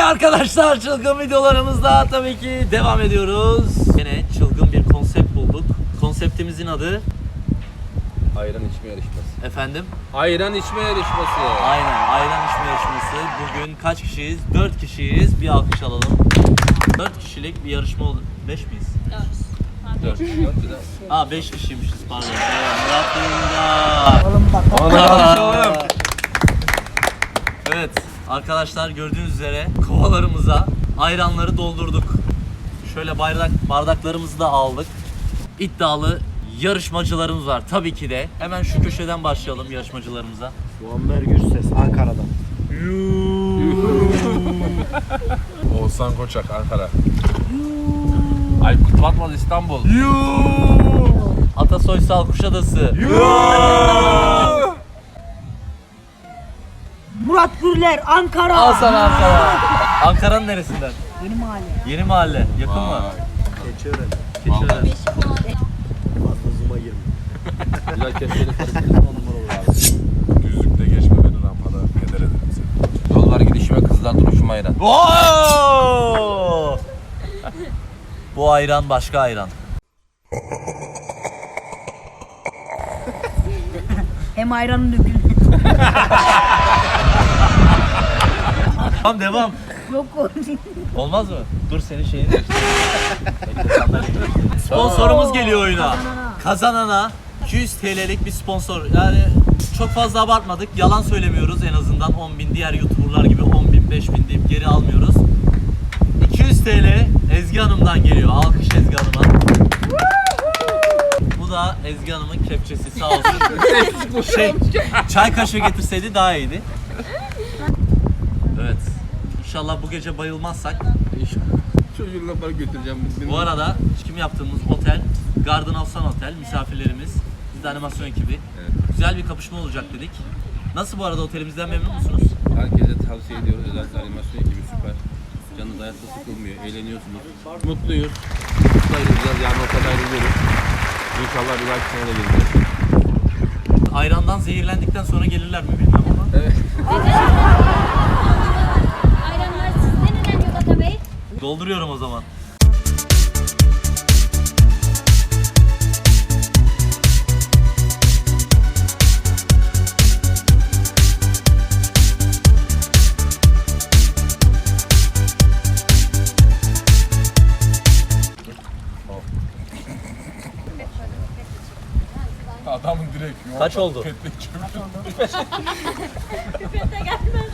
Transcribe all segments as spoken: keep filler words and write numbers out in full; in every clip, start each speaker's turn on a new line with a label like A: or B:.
A: arkadaşlar, çılgın videolarımızda tabii ki devam ediyoruz. Yine çılgın bir konsept bulduk. Konseptimizin adı
B: ayran içme yarışması.
A: efendim?
B: Ayran içme yarışması.
A: Aynen, ayran içme yarışması. Bugün kaç kişiyiz? dört kişiyiz. Bir alkış alalım. dört kişilik bir yarışma oldu. beş miyiz?
B: dört.
A: Aa beş kişiymişiz pardon. Murat Bey'in
C: Oğlum bak.
B: Ana
A: Evet arkadaşlar, gördüğünüz üzere kovalarımıza ayranları doldurduk. Şöyle bardak bardaklarımızı da aldık. İddialı yarışmacılarımız var tabii ki de. Hemen şu köşeden başlayalım yarışmacılarımıza.
C: Muammer Gürses Ankara'dan.
B: Oğuzhan Koçak Ankara. Aykut Batmaz İstanbul.
A: Atasoy Sal Kuşadası.
C: Murat Gürler Ankara.
A: Al sana Ankara. Ankara'nın neresinden?
C: Yeni mahalle.
A: Yeni mahalle. Yakın mı?
C: Keçiören.
A: Keçiören.
C: Fazla zoom'a girme.
B: Güzel kefteyle karıştırırsan on numara olur abi. Düzlükte geçme beni rampada heder ederim seni. Yollar gidişime kızlar duruşuma ayran.
A: Oo! Bu ayran başka ayran.
C: Hem ayranın dökülmesi.
A: Tamam devam.
C: Yok o.
A: Olmaz mı? Dur senin şeyini değiştireyim. Sponsorumuz geliyor oyuna. Kazanana iki yüz T L'lik bir sponsor. Yani çok fazla abartmadık. Yalan söylemiyoruz en azından. on bin, diğer YouTuber'lar gibi on bin, beş bin deyip geri almıyoruz. iki yüz T L Ezgi Hanım'dan geliyor. Alkış Ezgi Hanım'a. Bu da Ezgi Hanım'ın kepçesi, sağ olsun. şey, çay kaşığı getirseydi daha iyiydi. Evet. İnşallah bu gece bayılmazsak.
B: İnşallah. Çocuğun lafları götüreceğim.
A: Bu arada kim yaptığımız otel Garden of Sun Otel, misafirlerimiz, biz de animasyon ekibi.
B: Evet.
A: Güzel bir kapışma olacak dedik. Nasıl bu arada, otelimizden memnun musunuz?
B: Herkese tavsiye ediyoruz. Özellikle animasyon ekibi süper. Canınız hayatta sıkılmıyor. Eğleniyorsunuz. Mutluyuz. Mutlu ayrılacağız. Yarın otelde ayrılıyoruz. İnşallah bir dahaki sene de geleceğiz.
A: Ayrandan zehirlendikten sonra gelirler mi bilmem ama.
B: Evet.
D: Ayranlar sizden önemli Bata Bey.
A: Dolduruyorum o zaman.
B: Adamın direkt yoğurt.
A: Kaç oldu?
D: Pipete gelmez.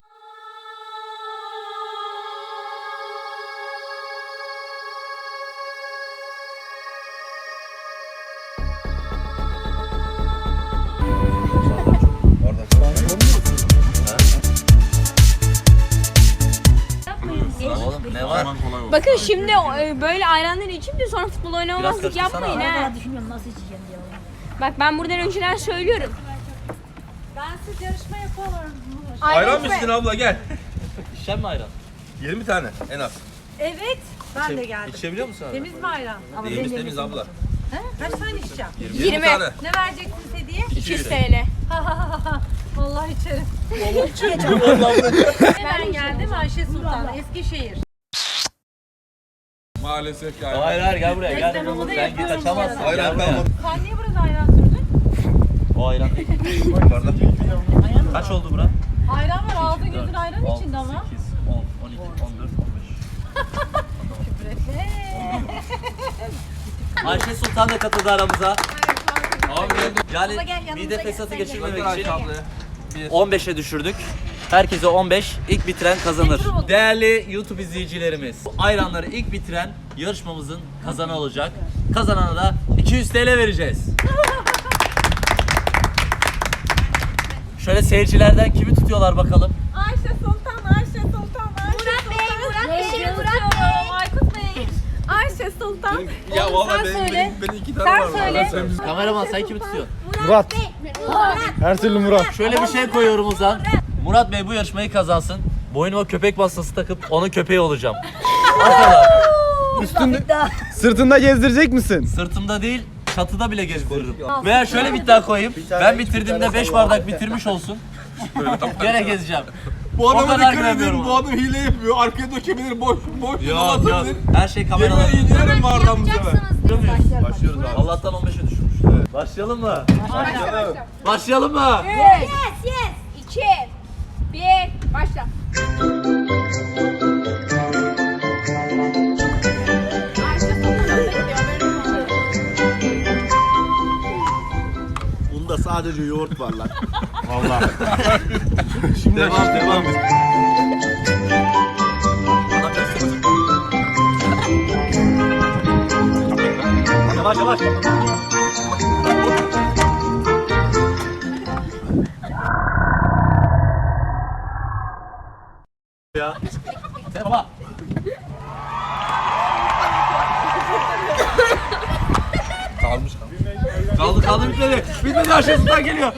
A: Oğlum ne var?
D: Bakın şimdi e, böyle ayranları içip de sonra futbol oynamamazlık
A: Biraz karıştırsana
D: yapmayın
A: abi.
D: ha.
C: Ben düşünüyorum nasıl içeceğim diye.
D: Bak ben buradan önceden söylüyorum.
E: Ben siz yarışma yapalım.
B: Ayran mı içtin abla gel.
A: İçecek mi ayran?
B: yirmi tane en az.
E: Evet, ben de
A: İçe-
E: geldim.
A: İçebiliyor musun abi?
E: Temiz mi ayran?
C: Ama
B: Temiz
C: benim
B: temiz abla.
E: He? Kaç tane içeceğim?
B: yirmi,
D: Yirmi.
B: tane.
E: Ne vereceksiniz hediye?
D: iki yüz T L.
E: Vallahi içerim. Ben geldim Ayşe Sultan, Eskişehir.
B: Maalesef yani.
A: Hayır hayır, gel buraya gel.
E: Reklamını da
A: Sen git
E: yapıyorum
A: kaçamazsın.
E: bu arada.
A: Gel buraya.
E: Sen niye burada ayran sürdün?
A: O ayran değil. Kaç oldu bura?
E: Ayran var, ağzın gözün ayran içinde ama.
A: sekiz, on, on iki, on dört, on beş. Ayşe Sultan da katıldı aramıza.
B: Abi
A: Yani
E: Baba gel, yanımıza
A: mide
E: gel,
A: fesatı
E: sen de.
A: geçirmemek
B: Gönder
A: için
B: Ayşe ablaya. Bir.
A: on beşe düşürdük. Herkese on beş, ilk bitiren kazanır.
E: Meşhur oldu.
A: Değerli YouTube izleyicilerimiz, bu ayranları ilk bitiren yarışmamızın kazanı olacak. Kazanana da iki yüz T L vereceğiz. Şöyle seyircilerden kimi tutuyorlar bakalım.
E: Ayşe Sultan, Ayşe Sultan, Ayşe
D: Murat Bey,
E: Sultan.
D: Murat Bey,
E: Yaşa
D: Murat
E: tutuyorum, Aykut Bey. Ayşe Sultan.
B: Ya
E: Oğlum,
B: valla
E: sen
B: benim,
E: söyle.
B: benim, benim iki tane
E: Sen
B: var.
E: söyle.
B: Sen-
A: Kameraman sen kimi tutuyorsun?
C: Murat. Her türlü Murat.
A: Şöyle bir şey koyuyorum o zaman. Murat Bey bu yarışmayı kazansın. Boynuma köpek pastası takıp onun köpeği olacağım. O kadar.
C: Üstünde, sırtında gezdirecek misin?
A: Sırtımda değil, çatıda bile gezdiririm. Veya şöyle bir iddia koyayım. Ben bitirdiğimde beş bardak bitirmiş olsun. Gene gezeceğim.
B: Bu
A: O
B: adama
A: kadar
B: dikkat edin.
A: güvenmiyorum
B: Bu adam hile yapıyor. Arkaya dökebilir. Boş boş.
A: Yok yok. Her şey kameralar.
B: Yemeğe indiririm vardan bu sefer.
C: Başlıyoruz abi.
A: Allah'tan on beşe düşmüş. Evet. Başlayalım mı?
B: Başlayalım.
A: Başlayalım mı?
D: Yes yes. İki. Bir. Başla.
F: Bunda sadece yoğurt var lan.
B: Vallahi. Şimdi
A: Devam devam. Yavaş yavaş. Ya. Sen baba.
B: kalmış.
A: Kaldı kaldı bitmedi. Bitmedi aşağısından geliyor.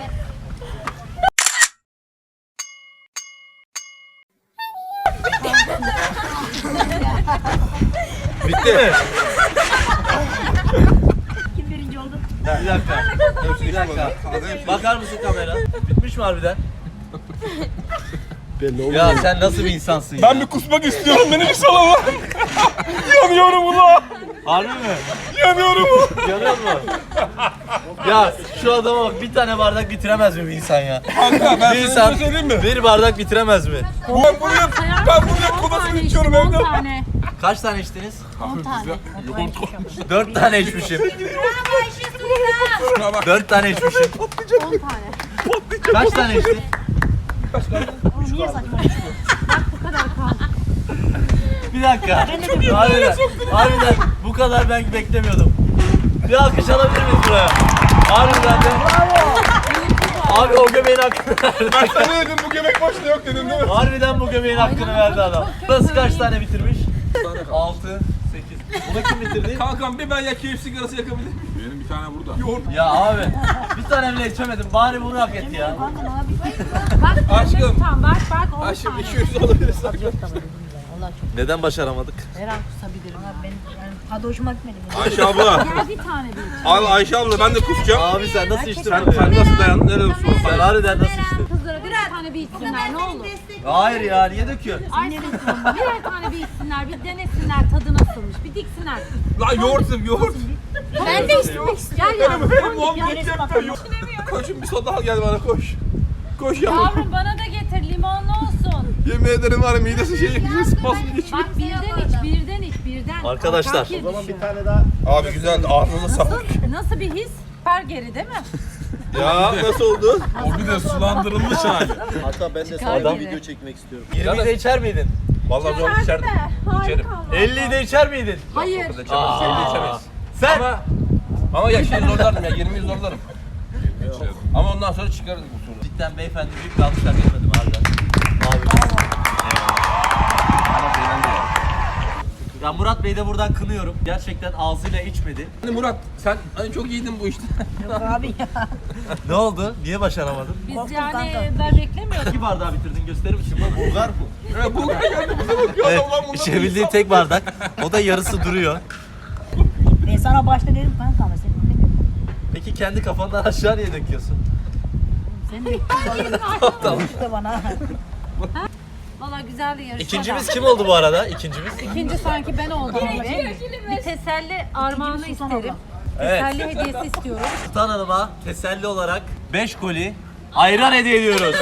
B: Bitti.
C: Kim birinci oldu?
A: Bir dakika. Bir dakika. Bakar mısın kamera? Bitmiş mi harbiden?
F: Belli oldu.
A: Ya sen nasıl bir insansın ya?
B: Ben bir kusmak istiyorum. Beni bir salın lan. Yanıyorum ulan.
A: Harbi mi?
B: Yanıyorum ulan.
A: Yanıyor mu? Ya şu adama bak, bir tane bardak bitiremez mi bir insan ya?
B: Kanka ben
A: Bir
B: sana
A: insan
B: bir şey söyleyeyim mi?
A: bir bardak bitiremez mi?
B: Ben buraya, ben buraya kodasını içiyorum evde.
A: Kaç tane içtiniz?
C: on tane.
A: Dört tane içmişim.
B: Şuna bak.
A: Dört tane içmişim.
C: on tane.
A: Kaç tane içtin?
C: Oğlum niye saçmalıyorsun?
A: Bir dakika. Harbiden, harbiden bu kadar ben beklemiyordum. Bir alkış alabilir miyiz buraya? Harbiden de. Abi o göbeğin hakkını verdi.
B: Ben sana dedim bu göbek boşta yok dedim değil mi?
A: Harbiden bu göbeğin hakkını verdi adam. Nasıl kaç tane bitirmiş? Altı, sekiz. Bunu kim bitirdi?
B: Kankam bir ben ya keyif sigarası yakabilir miyim? Benim bir tane burada. Yoğurt.
A: Ya abi bir tane bile içemedim. Bari bunu hak et ya.
C: Kanka bana bir
E: Bak
B: Aşkım.
E: Tam bak bak on
B: Aşkım
E: tane.
B: iki yüz alabiliriz.
C: Allah çok.
A: Neden başaramadık?
C: Her an kusabilirim. Abi ben yani tadı hoşuma gitmedi.
B: Ayşe abla.
E: Ya bir tane bir.
B: Al Ayşe abla ben de kusacağım.
A: Abi sen nasıl içtin
B: Sen,
A: bunu
B: sen
A: ya?
B: nasıl dayandın? Nerede soğuk?
A: Sen harbiden nasıl içtin?
E: Kızlara birer tane bir içsinler ne olur.
A: Hayır ya niye döküyorsun?
E: Ay birer tane bir içsinler, bir denesinler tadı nasılmış, bir diksinler.
B: Lan yoğurtum yoğurt.
E: Ben de içmek istiyorum. Gel yavrum.
B: Benim on bin yapıyor yoğurt. Koşun bir soda al gel bana koş. Koş yavrum.
E: Yavrum bana da getir limonlu olsun.
B: Yemin ederim var ya midesi şey sıkmasın geçmiyor.
E: Bak birden iç, birden iç, birden.
A: Arkadaşlar.
E: Fark
F: O zaman
E: edin.
F: bir tane daha.
B: Abi güzeldi ağzınıza sağlık.
E: Nasıl, nasıl bir his? Süper geri değil mi?
B: Ya nasıl oldu?
G: O bir de sulandırılmış hali.
F: Hatta ben de sana bir video çekmek istiyorum.
A: yirmiyi de içer miydin?
B: Vallahi zor içerdim. İçerim.
A: elliyi de içer miydin?
E: Hayır.
B: Burada içemez. elli içemeyiz.
A: Sen?
B: Ama ama ya şey zorlarım ya yirmiyi zorlarım. Ama ondan sonra çıkarız bu soru.
A: Cidden beyefendi büyük bir alkışlar gelmedim harbiden. Abi.
B: Ama eğlendi ya.
A: Ya Murat Bey de buradan kınıyorum. Gerçekten ağzıyla içmedi.
B: Hani Murat sen hani çok iyiydin bu işte.
C: Yok abi ya.
A: Ne oldu? Niye başaramadın?
E: Biz
C: Korktum
E: yani
C: kanka.
E: ben beklemiyordum.
A: İki bardağı bitirdin gösterir misin? Bu Bulgar bu.
B: Ya bu geldi bize bakıyor
A: Evet,
B: adam lan bundan.
A: içebildiğin tek bardak. O da yarısı duruyor.
C: Ben sana başta dedim kanka ama sen dinlemiyorsun.
A: Peki kendi kafandan aşağı niye döküyorsun?
C: Sen de
A: Tamam.
C: işte bana.
E: Valla güzeldi yarışma.
A: İkincimiz kim oldu bu arada? İkincimiz.
E: İkinci sanki ben oldum. Bir teselli armağanı isterim.
A: Evet.
E: Teselli hediyesi istiyorum.
A: Sultan Hanım'a teselli olarak beş koli ayran hediye ediyoruz.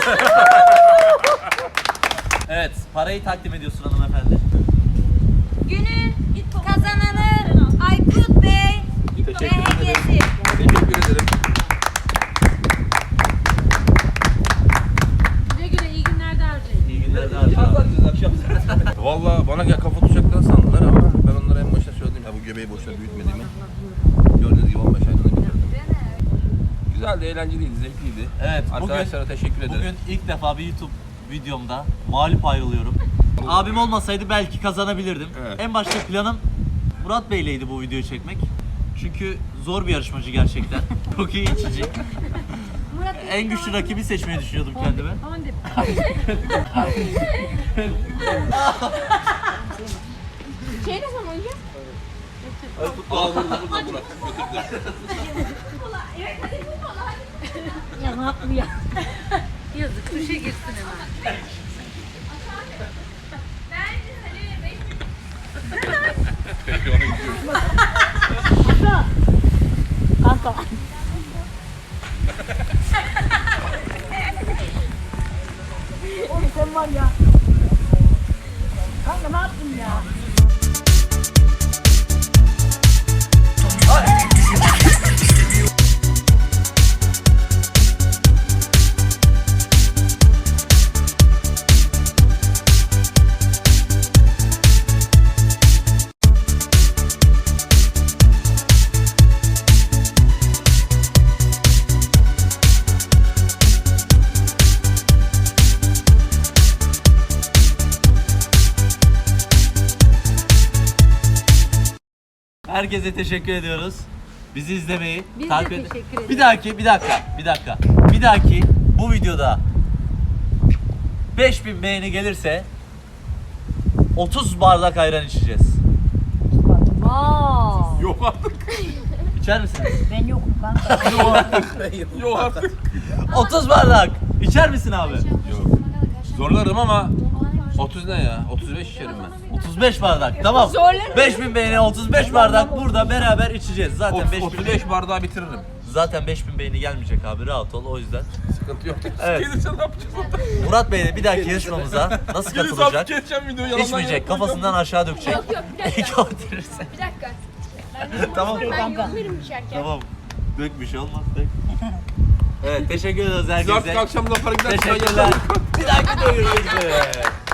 A: Evet, parayı takdim ediyorsun hanımefendi.
D: Günün kazananı Aykut Bey ve hediyesi.
B: Teşekkür ederim.
E: Güle güle iyi günler de harcayın.
A: İyi günler de harcayın.
B: Valla bana gel kafa tutacaklar sandılar ama ben onlara en başta söyledim ya bu göbeği boşuna büyütmediğimi. Gördüğünüz gibi on beş aydan bitirdim. Güzeldi, eğlenceliydi, zevkliydi.
A: Evet, bugün,
B: Arkadaşlara teşekkür ederim.
A: bugün ilk defa bir YouTube videomda mağlup ayrılıyorum. Abim olmasaydı belki kazanabilirdim.
B: Evet.
A: En başta planım Murat Bey'leydi bu videoyu çekmek. Çünkü zor bir yarışmacı gerçekten. Çok iyi içici. En güçlü rakibi seçmeyi düşünüyordum kendime.
E: Hadi. Şey ne zaman önce?
B: Al bunu buradan bırak.
C: Ya ne yaptım ya?
E: Yazık, duşa girsin hemen.
C: Oğlum sen var ya. Kanka ne yaptın ya?
A: Herkese teşekkür ediyoruz. Bizi izlemeyi,
E: Biz de
A: takip ed-
E: teşekkür ederiz.
A: Bir dahaki, bir dakika, bir dakika. Bir dahaki bu videoda beş bin beğeni gelirse otuz bardak ayran içeceğiz.
E: Wow.
G: Yok artık.
A: İçer misiniz?
C: Ben yokum kanka.
G: Yok artık.
A: otuz bardak. İçer misin abi?
B: Zorlarım ama otuz ne ya? otuz beş içerim ben.
A: otuz beş bardak. Tamam.
D: Zorlarım.
A: beş bin beğeni, otuz beş bardak burada beraber içeceğiz. Zaten
B: Otuz-
A: beş bin
B: otuz beş bardağı bitiririm.
A: Zaten beş bin beğeni gelmeyecek abi, rahat ol, o yüzden.
B: Sıkıntı yok.
A: Evet.
G: Gelirse ne yapacağız orada?
A: Murat Bey de bir dahaki yarışmamıza nasıl
G: Gelirse
A: katılacak?
G: artık geçeceğim videoyu yalandan
A: İçmeyecek,
G: yere koyacağım.
A: kafasından aşağı dökecek.
D: Yok yok bir dakika.
A: İlk o bitirirse.
D: Bir dakika.
A: Tamam.
D: Ben
C: kanka.
D: yollarım içerken.
A: Tamam. Dök, bir şey olmaz, dök. Evet, teşekkür ederiz
B: Biz artık
A: herkese.
B: akşam lafara gider.
A: Teşekkürler. Bir dahaki videoya görüşmek üzere.